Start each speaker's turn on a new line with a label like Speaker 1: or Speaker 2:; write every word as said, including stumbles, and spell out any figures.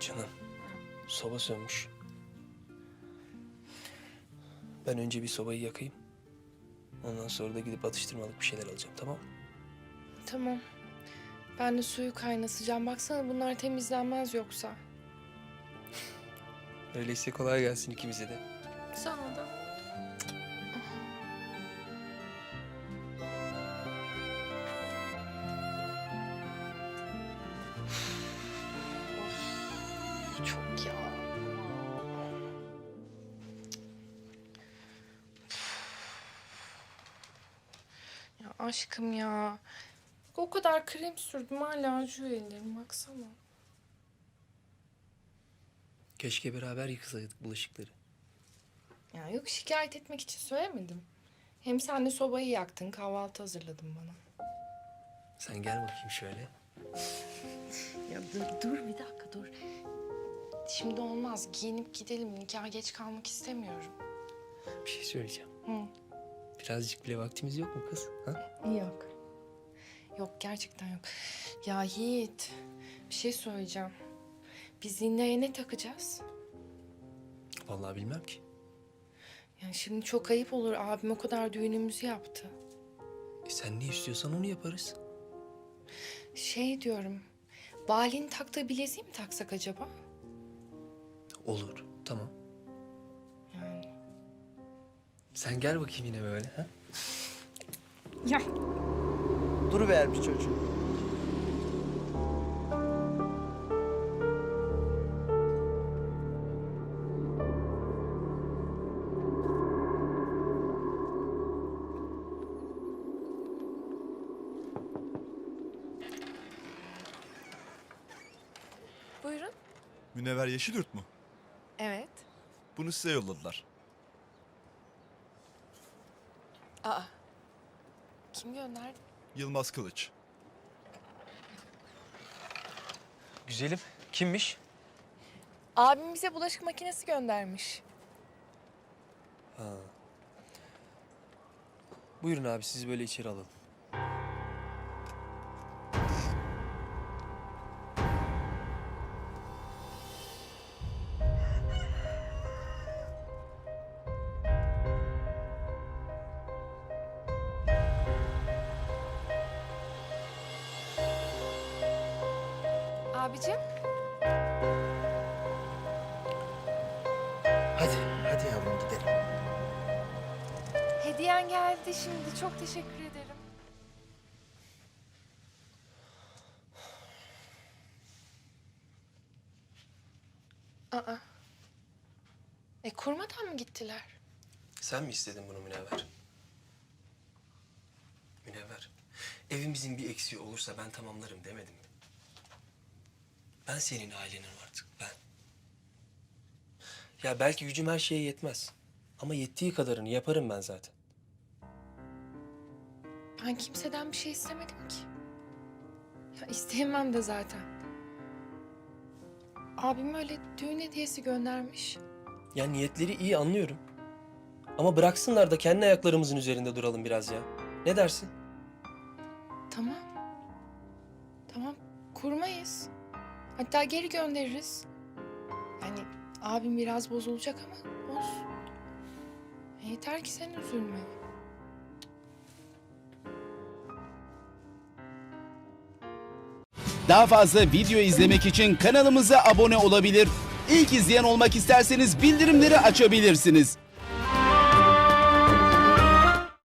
Speaker 1: Canım, soba sönmüş. Ben önce bir sobayı yakayım. Ondan sonra da gidip atıştırmalık bir şeyler alacağım, tamam mı?
Speaker 2: Tamam. Ben de suyu kaynatacağım. Baksana bunlar temizlenmez yoksa.
Speaker 1: Öyleyse kolay gelsin ikimize de.
Speaker 2: Sana da. Of, çok ya. Ya aşkım ya. O kadar krem sürdüm hala acıyor ellerim baksana.
Speaker 1: Keşke beraber yıkasaydık bulaşıkları.
Speaker 2: Ya yok şikayet etmek için söylemedim. Hem sen de sobayı yaktın, kahvaltı hazırladın bana.
Speaker 1: Sen gel bakayım şöyle.
Speaker 2: Ya dur, dur bir dakika dur. Şimdi olmaz. Giyinip gidelim. Nikaha geç kalmak istemiyorum.
Speaker 1: Bir şey söyleyeceğim.
Speaker 2: Hı.
Speaker 1: Birazcık bile vaktimiz yok mu kız? Ha?
Speaker 2: Yok. Yok gerçekten yok. Ya Yiğit, bir şey söyleyeceğim. Biz Zinne'ye ne takacağız?
Speaker 1: Vallahi bilmem ki.
Speaker 2: Yani şimdi çok ayıp olur. Abim o kadar düğünümüzü yaptı.
Speaker 1: E sen ne istiyorsan onu yaparız.
Speaker 2: Şey diyorum. Bali'nin taktığı bileziği mi taksak acaba?
Speaker 1: Olur, tamam.
Speaker 2: Yani.
Speaker 1: Sen gel bakayım yine böyle. Ha?
Speaker 2: Ya.
Speaker 3: Duruvermiş çocuğum.
Speaker 2: Buyurun.
Speaker 4: Münevver Yeşilyurt mu?
Speaker 2: Evet.
Speaker 4: Bunu size yolladılar.
Speaker 2: Aa. Kim gönderdi?
Speaker 4: Yılmaz Kılıç.
Speaker 1: Güzelim, kimmiş?
Speaker 2: Abim bize bulaşık makinesi göndermiş.
Speaker 1: Ha. Buyurun abi, sizi böyle içeri alalım.
Speaker 2: Abicim.
Speaker 3: Hadi, hadi yavrum gidelim.
Speaker 2: Hediyen geldi şimdi. Çok teşekkür ederim. Aa. E kurmadan mı gittiler?
Speaker 1: Sen mi istedin bunu Münevver? Münevver, evimizin bir eksiği olursa ben tamamlarım demedim mi? Ben senin ailenin artık, ben. Ya belki gücüm her şeye yetmez. Ama yettiği kadarını yaparım ben zaten.
Speaker 2: Ben kimseden bir şey istemedim ki. Ya isteyemem de zaten. Abim öyle düğün hediyesi göndermiş.
Speaker 1: Ya niyetleri iyi anlıyorum. Ama bıraksınlar da kendi ayaklarımızın üzerinde duralım biraz ya. Ne dersin?
Speaker 2: Tamam. Tamam kurmayız. Hatta geri göndeririz. Yani abim biraz bozulacak ama olsun. E, yeter ki sen üzülme.
Speaker 5: Daha fazla video izlemek için kanalımıza abone olabilir. İlk izleyen olmak isterseniz bildirimleri açabilirsiniz.